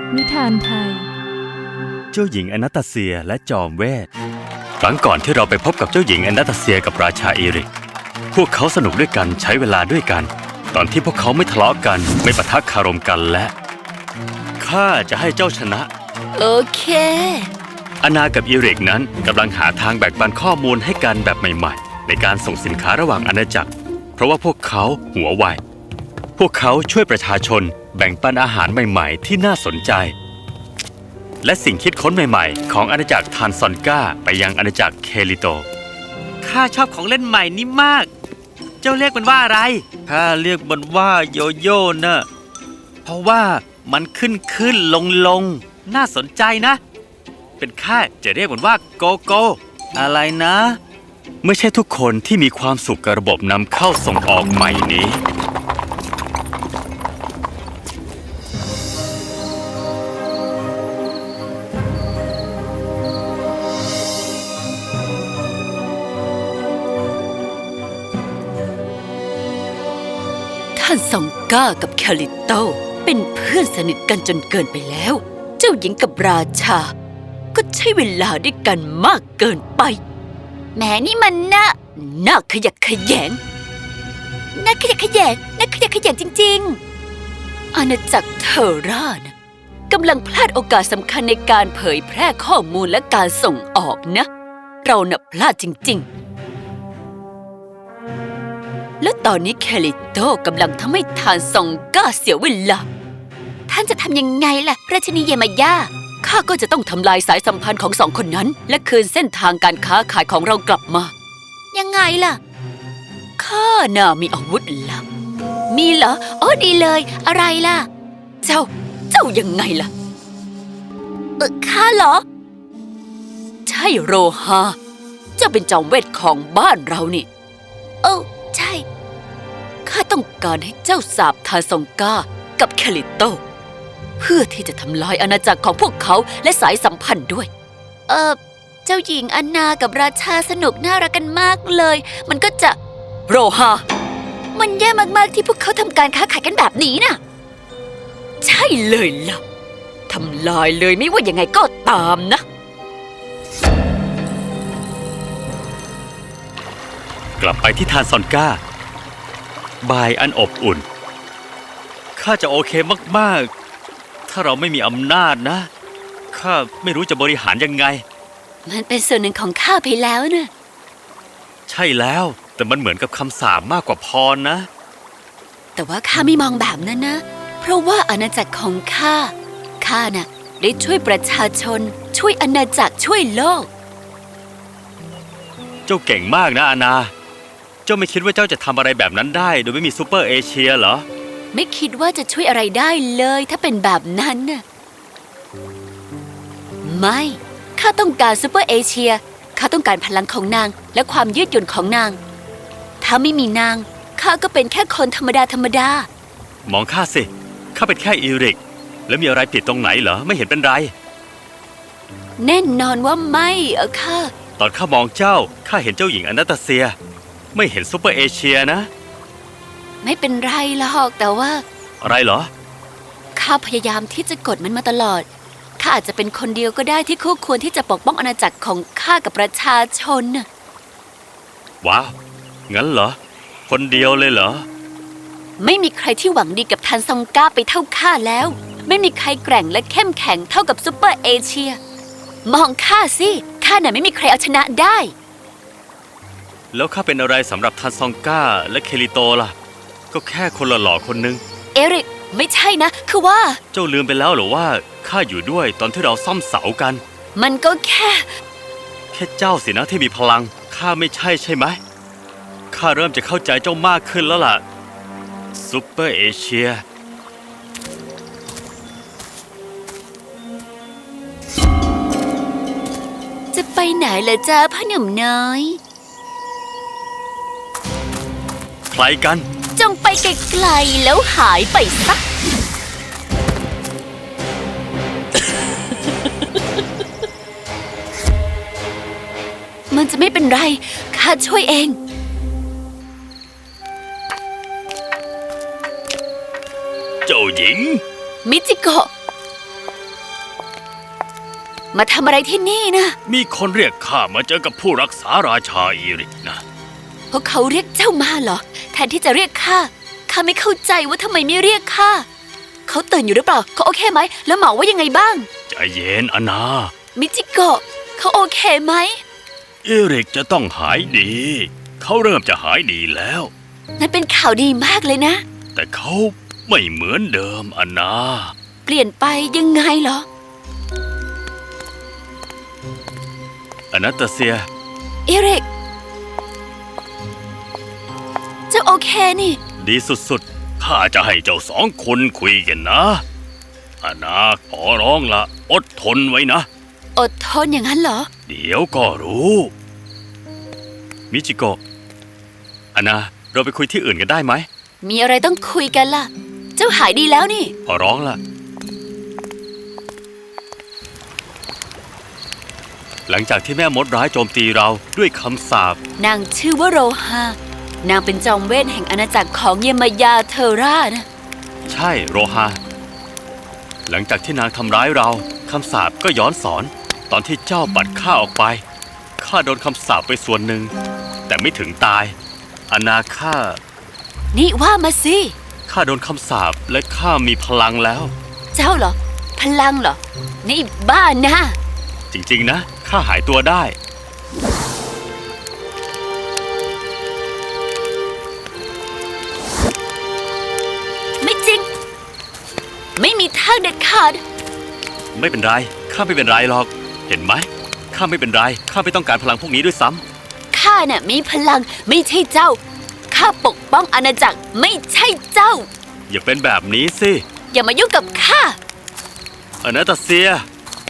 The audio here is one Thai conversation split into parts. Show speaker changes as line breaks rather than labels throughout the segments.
นิทานไทย
เจ้าหญิงอนาตาเซียและจอมเวทครั้งก่อนที่เราไปพบกับเจ้าหญิงอนาตาเซียกับราชาเอริกพวกเขาสนุกด้วยกันใช้เวลาด้วยกันตอนที่พวกเขาไม่ทะเลาะกันไม่ปะทะคารมกันและข้าจะให้เจ้าชนะ
โอเค
อานากับเอริกนั้นกำลังหาทางแบ่งปันข้อมูลให้กันแบบใหม่ๆในการส่งสินค้าระหว่างอาณาจักรเพราะว่าพวกเขาหัวไวพวกเขาช่วยประชาชนแบ่งปันอาหารใหม่ๆที่น่าสนใจและสิ่งคิดค้นใหม่ๆของอาณาจักรทานซอนก้าไปยังอาณาจักรเคลิโต
ข้าชอบของเล่นใหม่นี้มากเจ้าเรียกมันว่าอะไรข้าเรียกมันว่าโยโย่นะเพราะว่ามันขึ้นลงน่าสนใจนะเป็นข้าจะเรียกมันว่าโกโก้อะไรนะ
ไม่ใช่ทุกคนที่มีความสุขกับระบบนำเข้าส่งออกใหม่นี้
ท่านซองก้ากับแคลิโตเป็นเพื่อนสนิทกันจนเกินไปแล้วเจ้าหญิงกับราชาก็ใช้เวลาด้วยกันมากเกินไปแหมนี่มันน่าขยักขยงน่าขยักขยงจริงๆอาณาจักรเทอร่านะกำลังพลาดโอกาสสำคัญในการเผยแพร่ข้อมูลและการส่งออกนะเราน่ะพลาดจริงๆและตอนนี้แคลิโตกำลังทำให้ทานซองก้าเสียเวลาท่านจะทำยังไงล่ะราชินีเยมาย่าข้าก็จะต้องทำลายสายสัมพันธ์ของสองคนนั้นและคืนเส้นทางการค้าขายของเรากลับมายังไงล่ะข้าน่ะมีอาวุธลับมีเหรออ๋อดีเลยอะไรล่ะเจ้ายังไงล่ะข้าเหรอใช่โรฮาเจ้าเป็นจอมเวทของบ้านเรานี่ใช่ข้าต้องการให้เจ้าสาบทานซองก้ากับแคลิโตเพื่อที่จะทำลายอาณาจักรของพวกเขาและสายสัมพันธ์ด้วยเจ้าหญิงอันนากับราชาสนุกน่ารักกันมากเลยมันก็จะโรฮามันแย่มากๆที่พวกเขาทำการค้าขายกันแบบนี้น่ะใช่เลยล่ะทำลายเลยไม่ว่ายังไงก็ตามนะ
กลับไปที่ทานซอนก้าบายอันอบอุ่นข้าจะโอเคมากๆถ้าเราไม่มีอำนาจนะข้าไม่รู้จะบริหารยังไง
มันเป็นส่วนหนึ่งของข้าไปแล้วนะ
ใช่แล้วแต่มันเหมือนกับคำสาปมากกว่าพรนะ
แต่ว่าข้าไม่มองแบบนั้นนะเพราะว่าอาณาจักรของข้าน่ะได้ช่วยประชาชนช่วยอาณาจักรช่วยโลก
เจ้าเก่งมากนะอาณาเจ้าไม่คิดว่าเจ้าจะทำอะไรแบบนั้นได้โดยไม่มีซูเปอร์เอเชียเหรอ
ไม่คิดว่าจะช่วยอะไรได้เลยถ้าเป็นแบบนั้นน่ะไม่ข้าต้องการซูเปอร์เอเชียข้าต้องการพลังของนางและความยืดหยุ่นของนางถ้าไม่มีนางข้าก็เป็นแค่คนธรรมด
ามองข้าสิข้าเป็นแค่อีริกแล้วมีอะไรผิดตรงไหนเหรอไม่เห็นเป็นไร
แน่นอนว่าไม่ข้า
ตอนข้ามองเจ้าข้าเห็นเจ้าหญิงอนาตาเซียไม่เห็นซูเปอร์เอเชียนะ
ไม่เป็นไรหรอกแต่ว่า
อะไรเหรอ
ข้าพยายามที่จะกดมันมาตลอดข้าอาจจะเป็นคนเดียวก็ได้ที่คู่ควรที่จะปกป้องอาณาจักรของข้ากับประชาชนน่ะ
ว้าวงั้นเหรอคนเดียวเลยเหรอ
ไม่มีใครที่หวังดีกับทานซองก้าไปเท่าข้าแล้วไม่มีใครแกร่งและเข้มแข็งเท่ากับซูเปอร์เอเชียมองข้าสิข้าน่ะไม่มีใครเอาชนะได้
แล้วข้าเป็นอะไรสำหรับทานซองก้าและเคลิโตล่ะก็แค่คนหล่อๆคนนึง
เอริกไม่ใช่นะคือว่า
เจ้าลืมไปแล้วหรือว่าข้าอยู่ด้วยตอนที่เราซ่อมเสากัน
มันก็แค่
เจ้าสินะที่มีพลังข้าไม่ใช่ไหมข้าเริ่มจะเข้าใจเจ้ามากขึ้นแล้วล่ะซูเปอร์เอเชีย
จะไปไหนล่ะจ๊ะพ่อหนุ่มน้อย
ใครกัน
จงไปไกลๆแล้วหายไปซะมันจะไม่เป็นไรข้าช่วยเอง
เจ้าหญิง
มิจิโกะมาทำอะไรที่นี่นะ
มีคนเรียกข้ามาเจอกับผู้รักษาราชาอีริกนะ
พวกเขาเรียกเจ้ามาเหรอ แทนที่จะเรียกข้าไม่เข้าใจว่าทำไมไม่เรียกข้าเขาตื่นอยู่หรือเปล่าเขาโอเคไหมแล้วหมอว่ายังไงบ้าง
ใจเย็นอานา
มิจิโกะเขาโอเคไหม
อีริกจะต้องหายดี เขาเริ่มจะหายดีแล้ว
นั่นเป็นข่าวดีมากเลยนะ
แต่เขาไม่เหมือนเดิมอานา
เปลี่ยนไปยังไงเหรอ
อนาตาเซีย
เอริกเจ้าโอเคนี่
ดีสุดๆ ข้าจะให้เจ้าสองคนคุยกันนะอานาขอร้องละอดทนไว้นะ
อดทนอย่างนั้นเหรอ
เดี๋ยวก็รู้ มิจิโกะอานาเราไปคุยที่อื่นกันได้ไหม
มีอะไรต้องคุยกันล่ะ เจ้าหายดีแล้วนี่
ขอร้องละหลังจากที่แม่มดร้ายโจมตีเราด้วยคำสาป
นางชื่อว่าโรฮานางเป็นจอมเวทแห่งอาณาจักรของเยมายาเทอร่านะ
ใช่โรฮาหลังจากที่นางทำร้ายเราคำสาปก็ย้อนสอน ตอนที่เจ้าปัดข้าออกไปข้าโดนคำสาปไปส่วนหนึ่งแต่ไม่ถึงตายอานาข้า
นี่ว่ามาสิ
ข้าโดนคำสาปและข้ามีพลังแล้ว
เจ้าเหรอ พลังเหรอ นี่บ้านะ
จริงๆนะข้าหายตัวได้
ไม่จริง ไม่มีทางเด็ดขาด
ไม่เป็นไรข้าไม่เป็นไรหรอก เห็นไหมข้าไม่เป็นไรข้าไม่ต้องการพลังพวกนี้ด้วยซ้ำ
ข้าน่ะมีพลังไม่ใช่เจ้า ข้าปกป้องอาณาจักรไม่ใช่เจ้า
อย่าเป็นแบบนี้สิ
อย่ามายุ่งกับข้า
อนาตาเซีย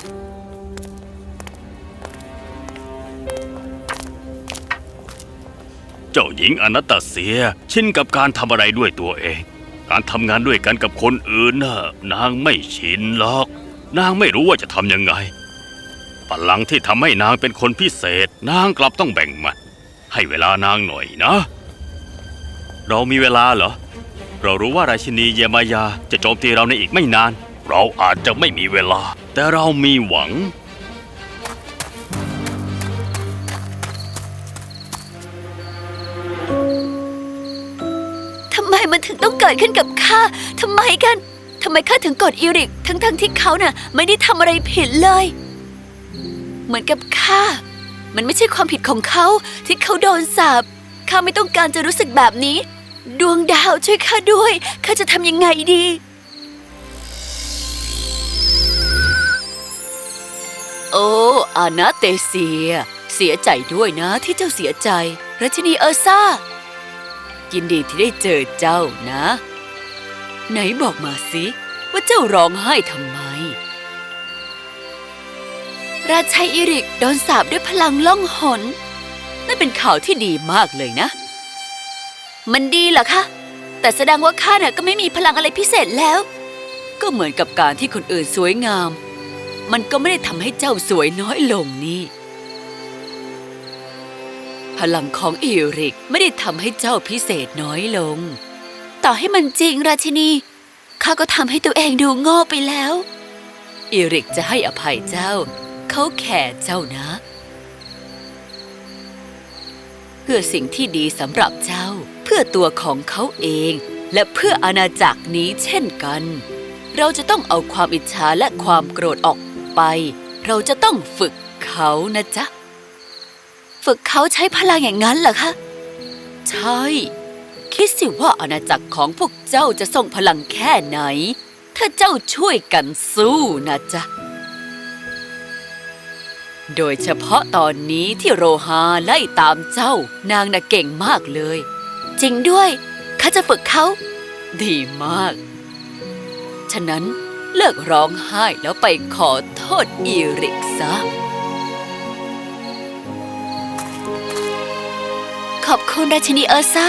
เจ้าหญิงอนาตาเซียชินกับการทำอะไรด้วยตัวเอง การทำงานด้วยกันกับคนอื่นน่ะนางไม่ชินหรอก นางไม่รู้ว่าจะทำยังไงพลังที่ทำให้นางเป็นคนพิเศษ นางกลับต้องแบ่งมันให้เวลานางหน่อยนะ เรามีเวลาเหรอ เรารู้ว่าราชินีเยมายาจะโจมตีเราในอีกไม่นาน เราอาจจะไม่มีเวลา แต่เรามีหวัง
ทำไมมันถึงต้องเกิดขึ้นกับข้า ทำไมกัน ทำไมข้าถึงกดอีริก ทั้งที่เขาน่ะไม่ได้ทำอะไรผิดเลย เหมือนกับข้า มันไม่ใช่ความผิดของเขาที่เขาโดนสาป ข้าไม่ต้องการจะรู้สึกแบบนี้ ดวงดาวช่วยข้าด้วย ข้าจะทำยังไงดี โอ้อานาเตเซีย เสียใจด้วยนะที่เจ้าเสียใจราชินีเออร์ซ่า ยินดีที่ได้เจอเจ้านะ ไหนบอกมาสิว่าเจ้าร้องไห้ทำไม ราชัยอิริกโดนสาปด้วยพลังล่องหนนั่นเป็นข่าวที่ดีมากเลยนะ มันดีเหรอคะ แต่แสดงว่าข้าน่ะก็ไม่มีพลังอะไรพิเศษแล้ว ก็เหมือนกับการที่คนอื่นสวยงาม มันก็ไม่ได้ทำให้เจ้าสวยน้อยลงนี่พลังของอิริกไม่ได้ทำให้เจ้าพิเศษน้อยลง ต่อให้มันจริงราชินีข้าก็ทำให้ตัวเองดูโง่ไปแล้วอิริกจะให้อภัยเจ้าเขาแค่เจ้านะเพื่อสิ่งที่ดีสำหรับเจ้าเพื่อตัวของเขาเองและเพื่ออาณาจักรนี้เช่นกันเราจะต้องเอาความอิจฉาและความโกรธออกไปเราจะต้องฝึกเขานะจ๊ะฝึกเขาใช้พลังอย่างนั้นเหรอคะใช่คิดสิว่าอาณาจักรของพวกเจ้าจะส่งพลังแค่ไหนถ้าเจ้าช่วยกันสู้นะจ๊ะโดยเฉพาะตอนนี้ที่โรฮาไล่ตามเจ้านางน่ะเก่งมากเลยจริงด้วยข้าจะฝึกเขาดีมากฉะนั้นเลิกร้องไห้แล้วไปขอโทษอีริกซะขอบคุณราชินีเออร์ซ่า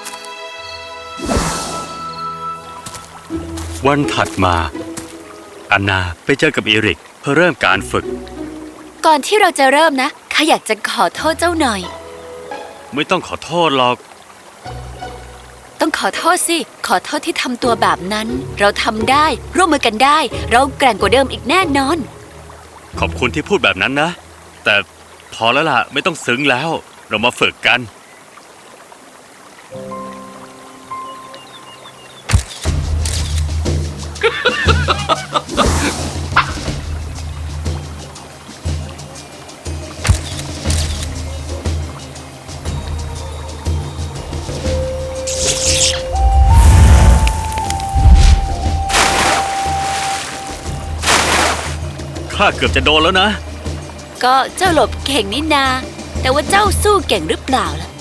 วันถัดมาอานาไปเจอกับอีริกเพื่อเริ่มการฝึก
ก่อนที่เราจะเริ่มนะข้าอยากจะขอโทษเจ้าหน่อย
ไม่ต้องขอโทษหรอก
ต้องขอโทษสิขอโทษที่ทำตัวแบบนั้นเราทำได้ร่วมมือกันได้เราแกร่งกว่าเดิมอีกแน่นอน
ขอบคุณที่พูดแบบนั้นนะ แต่พอแล้วล่ะไม่ต้องซึ้งแล้ว เรามาฝึกกัน ข้าเกือบจะโดนแล้วนะ
ก็เจ้าหลบเก่งนี่นา แต่ว่าเจ้าสู้เก่งหรือเปล่าล่ะ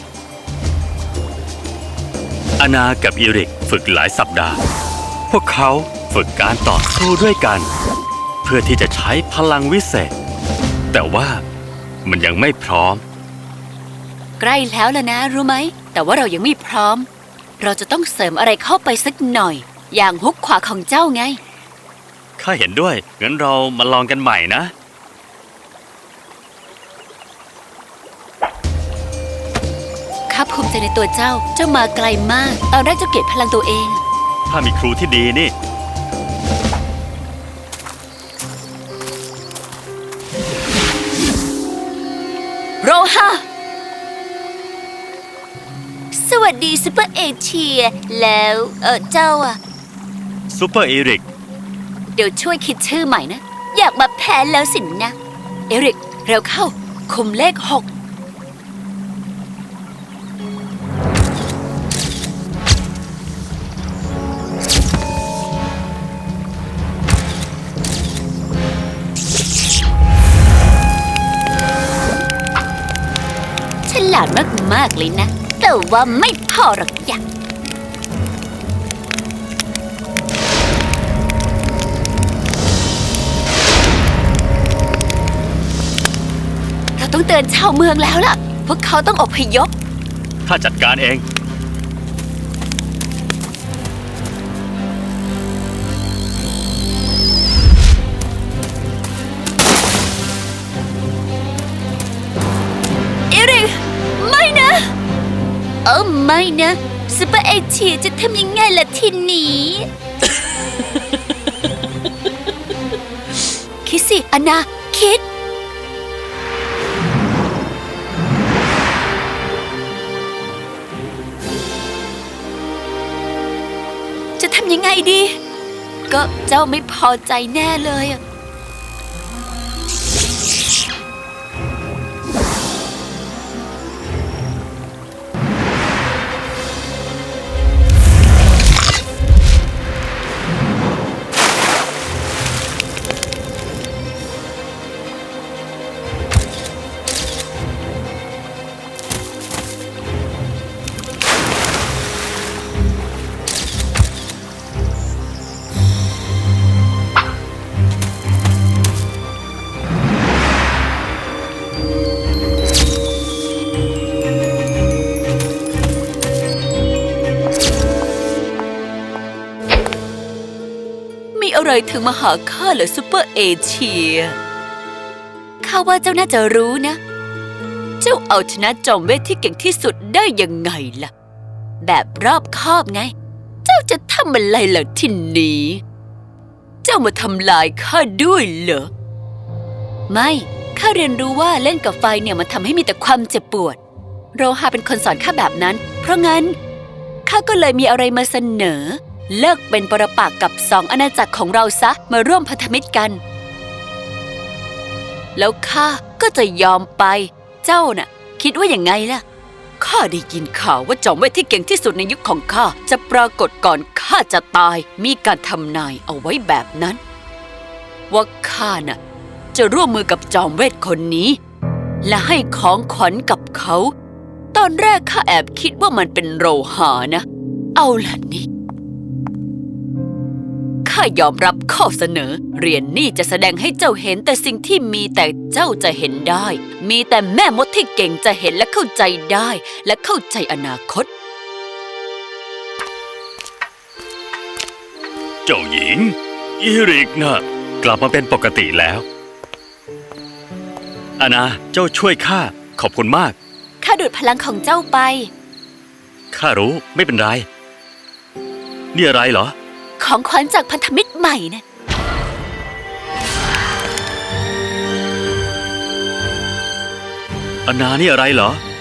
อานากับอิริกฝึกหลายสัปดาห์ พวกเขาฝึกการต่อสู้ด้วยกัน เพื่อที่จะใช้พลังวิเศษ แต่ว่ามันยังไม่พร้อม
ใกล้แล้วล่ะนะรู้ไหม แต่ว่าเรายังไม่พร้อม เราจะต้องเสริมอะไรเข้าไปสักหน่อย อย่างฮุกขวาของเจ้าไง
ข้าเห็นด้วย งั้นเรามาลองกันใหม่นะ
ข้าภูมิใจในตัวเจ้า เจ้ามาไกลมาก ตอนแรกเจ้าเกลียดพลังตัวเอง
ถ้ามีครูที่ดีนี่
โรฮาสวัสดีซูเปอร์เอเชีย แล้วเจ้าอะ
ซูเปอร์อิริก
เดี๋ยวช่วยคิดชื่อใหม่นะ อยากมาแพ้แล้วสินะ เอริก เร็วเข้า คุมเลข 6ฉลาดมากๆเลยนะ แต่ว่าไม่พอหรอกอย่าง เราต้องเตือนชาวเมืองแล้วล่ะ พวกเขาต้องอพยพ
ข้าจัดการเอง
เอริก ไม่นะ ไม่นะซูเปอร์เอเชียจะทำยังไงล่ะทีนี้ คิดสิอันนาคิด จะทำยังไงดี ก็เจ้าไม่พอใจแน่เลยอะ มีอะไรถึงมาหาข้าเหรอซูเปอร์เอเชีย ข้าว่าเจ้าน่าจะรู้นะ เจ้าเอาชนะจอมเวทที่เก่งที่สุดได้ยังไงล่ะ แบบรอบคอบไง เจ้าจะทำอะไรล่ะทีนี้ เจ้ามาทำลายข้าด้วยเหรอ ไม่ ข้าเรียนรู้ว่าเล่นกับไฟเนี่ยมันทำให้มีแต่ความเจ็บปวด โรฮาเป็นคนสอนข้าแบบนั้น เพราะงั้นข้าก็เลยมีอะไรมาเสนอ เลิกเป็นปรปักษ์กับ2 อาณาจักรของเราซะ มาร่วมพันธมิตรกัน แล้วข้าก็จะยอมไป เจ้าน่ะ คิดว่าอย่างไงล่ะ ข้าได้ยินข่าวว่าจอมเวทที่เก่งที่สุดในยุคของข้าจะปรากฏก่อนข้าจะตาย มีการทำนายเอาไว้แบบนั้น ว่าข้าน่ะจะร่วมมือกับจอมเวทคนนี้ และให้ของขวัญกับเขา ตอนแรกข้าแอบคิดว่ามันเป็นโรหานะ เอาล่ะนี่ ข้ายอมรับข้อเสนอ เหรียญนี่จะแสดงให้เจ้าเห็นแต่สิ่งที่มีแต่เจ้าจะเห็นได้ มีแต่แม่มดที่เก่งจะเห็นและเข้าใจได้ และเข้าใจอนาคต
เจ้าหญิง อิริกน่ะกลับมาเป็นปกติแล้ว อานาเจ้าช่วยข้า ขอบคุณมาก
ข้าดูดพลังของเจ้าไป
ข้ารู้ไม่เป็นไร นี่อะไรเหรอ
ของขวัญจากพันธมิตรใหม่นะ
อานานี่อะไรเหรอ